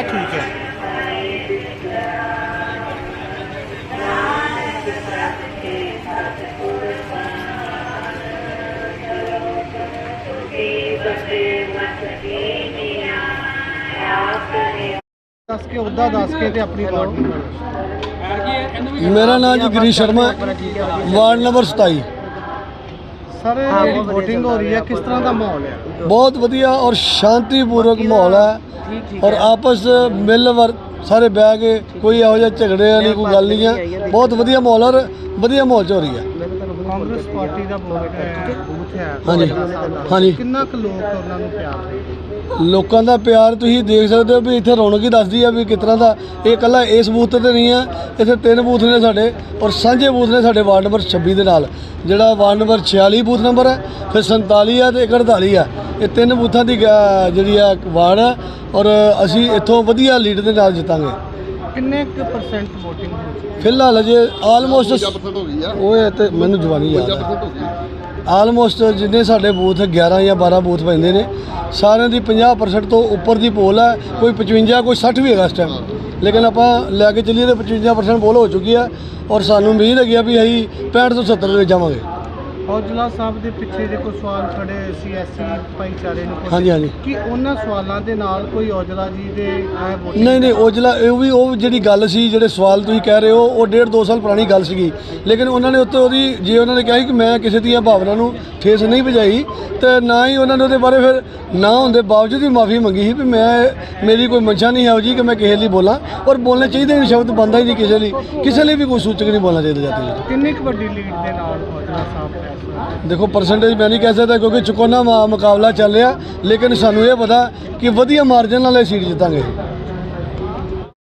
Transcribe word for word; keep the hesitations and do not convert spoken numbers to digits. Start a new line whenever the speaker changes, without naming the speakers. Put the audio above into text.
ठीक है। दस के उदा दस के ते अपनी वार्ड नंबर।
मेरा नाम जी गिरीश शर्मा, वार्ड नंबर सताई।
सर जी वोटिंग हो रही है, किस तरह का माहौल है?
बहुत वधिया और शांतिपूर्वक माहौल है और आपस मिल वर सारे बह के कोई ਇਹੋ ਜਿਹਾ ਝਗੜੇ वाली कोई गल नहीं है। बहुत वधिया माहौल और वधिया माहौल च हो रही है।
कांग्रेस पार्टी का वोट है, बूथ है।
हाँ जी, हाँ जी।
कितना कुछ लोग ਉਹਨਾਂ ਨੂੰ ਪਿਆਰ ਦੇ
ਲੋਕਾਂ ਦਾ ਪਿਆਰ ਤੁਸੀਂ ਦੇਖ ਸਕਦੇ ਹੋ ਵੀ ਇੱਥੇ ਰੌਣਕ ਹੀ ਦੱਸਦੀ ਆ ਵੀ ਕਿਸ ਤਰ੍ਹਾਂ ਦਾ। ਇਹ ਇਕੱਲਾ ਇਸ ਬੂਥ ਤੇ ਨਹੀਂ ਆ, ਇੱਥੇ ਤਿੰਨ ਬੂਥ ਨੇ ਸਾਡੇ ਔਰ ਸਾਂਝੇ ਬੂਥ ਨੇ ਸਾਡੇ ਵਾਰਡ ਨੰਬਰ ਛੱਬੀ ਦੇ ਨਾਲ, ਜਿਹੜਾ ਵਾਰਡ ਨੰਬਰ ਛਿਆਲੀ ਬੂਥ ਨੰਬਰ ਹੈ, ਫਿਰ ਸੰਤਾਲੀ ਆ ਤੇ ਇੱਕ ਅੜਤਾਲੀ ਆ। ਇਹ ਤਿੰਨ ਬੂਥਾਂ ਦੀ ਗ- ਜਿਹੜੀ ਆ ਵਾਰਡ ਆ ਔਰ ਅਸੀਂ ਇੱਥੋਂ ਵਧੀਆ ਲੀਡ ਦੇ ਨਾਲ ਜਿੱਤਾਂਗੇ।
ਕਿੰਨੇ ਕੁ ਪਰਸੈਂਟ ਵੋਟਿੰਗ ਹੋ ਚੁੱਕੀ
ਫਿਲਹਾਲ ਅਜੇ ਆਲਮੋਸਟ ਉਹ ਹੈ ਤੇ ਮੈਨੂੰ ਜਵਾਨੀ ਯਾਦ ਹੈ, ਆਲਮੋਸਟ ਜਿੰਨੇ ਸਾਡੇ ਬੂਥ ਗਿਆਰਾਂ ਜਾਂ ਬਾਰਾਂ ਬੂਥ ਪੈਂਦੇ ਨੇ ਸਾਰਿਆਂ ਦੀ ਪੰਜਾਹ ਪਰਸੈਂਟ ਤੋਂ ਉੱਪਰ ਦੀ ਪੋਲ ਹੈ। ਕੋਈ ਪਚਵੰਜਾ ਕੋਈ ਸੱਠ ਵੀ ਹੈਗਾ ਇਸ ਟਾਈਮ, ਲੇਕਿਨ ਆਪਾਂ ਲੈ ਕੇ ਚੱਲੀਏ ਤਾਂ ਪਚਵੰਜਾ ਪਰਸੈਂਟ ਪੋਲ ਹੋ ਚੁੱਕੀ ਹੈ ਔਰ ਸਾਨੂੰ ਉਮੀਦ ਹੈਗੀ ਆ ਵੀ ਅਸੀਂ ਪੈਂਹਠ ਤੋਂ ਸੱਤਰ ਦੇ ਵਿੱਚ ਜਾਵਾਂਗੇ।
ਔਜਲਾ ਸਾਹਿਬ ਦੇ ਪਿੱਛੇ ਜੇ ਕੋਈ ਸਵਾਲ ਖੜੇ ਸੀ ਐਸੀ ਭਾਈਚਾਰੇ ਨੂੰ
ਹਾਂਜੀ ਹਾਂਜੀ
ਕਿ ਉਹਨਾਂ ਸਵਾਲਾਂ ਦੇ ਨਾਲ ਕੋਈ ਔਜਲਾ ਜੀ ਦੇ ਐ ਵੋਟ
ਨਹੀਂ ਨਹੀਂ ਔਜਲਾ ਇਹ ਵੀ ਉਹ ਜਿਹੜੀ ਗੱਲ ਸੀ, ਜਿਹੜੇ ਸਵਾਲ ਤੁਸੀਂ ਕਹਿ ਰਹੇ ਹੋ ਉਹ ਡੇਢ ਦੋ ਸਾਲ ਪੁਰਾਣੀ ਗੱਲ ਸੀਗੀ, ਲੇਕਿਨ ਉਹਨਾਂ ਨੇ ਉੱਤੇ ਉਹਦੀ ਜੇ ਉਹਨਾਂ ਨੇ ਕਿਹਾ ਸੀ ਕਿ ਮੈਂ ਕਿਸੇ ਦੀਆਂ ਭਾਵਨਾ ਨੂੰ ਠੇਸ ਨਹੀਂ ਵਜਾਈ ਤੇ ਨਾ ਹੀ ਉਹਨਾਂ ਨੇ ਉਹਦੇ ਬਾਰੇ ਫਿਰ ਨਾ ਹੁੰਦੇ ਬਾਵਜੂਦ ਵੀ ਮਾਫੀ ਮੰਗੀ ਸੀ ਵੀ ਮੈਂ ਮੇਰੀ ਕੋਈ ਮਨਸ਼ਾ ਨਹੀਂ ਹੈ ਜੀ ਕਿ ਮੈਂ ਕਿਸੇ ਲਈ ਬੋਲਾਂ ਔਰ ਬੋਲਣੇ ਚਾਹੀਦੇ ਨੇ, ਸ਼ਬਦ ਬਣਦਾ ਹੀ ਨਹੀਂ ਕਿਸੇ ਲਈ, ਕਿਸੇ ਲਈ ਵੀ ਕੋਈ ਸੂਚਕ ਨਹੀਂ ਬੋਲਣਾ ਚਾਹੀਦਾ ਜਾਤੀ।
ਕਿੰਨੀ ਕੁ ਵੱਡੀ ਲੀਡ ਦੇ ਨਾਲ ਔਜਲਾ ਸਾਹਿਬ
ਦੇਖੋ ਪਰਸੈਂਟੇਜ ਮੈਂ ਨਹੀਂ ਕਹਿ ਸਕਦਾ ਕਿਉਂਕਿ ਚੁਕੋਨਾ ਮੁਕਾਬਲਾ ਚੱਲ ਰਿਹਾ, ਲੇਕਿਨ ਸਾਨੂੰ ਇਹ ਪਤਾ ਕਿ ਵਧੀਆ ਮਾਰਜਨ ਨਾਲ ਇਹ ਸੀਟ ਜਿੱਤਾਂਗੇ।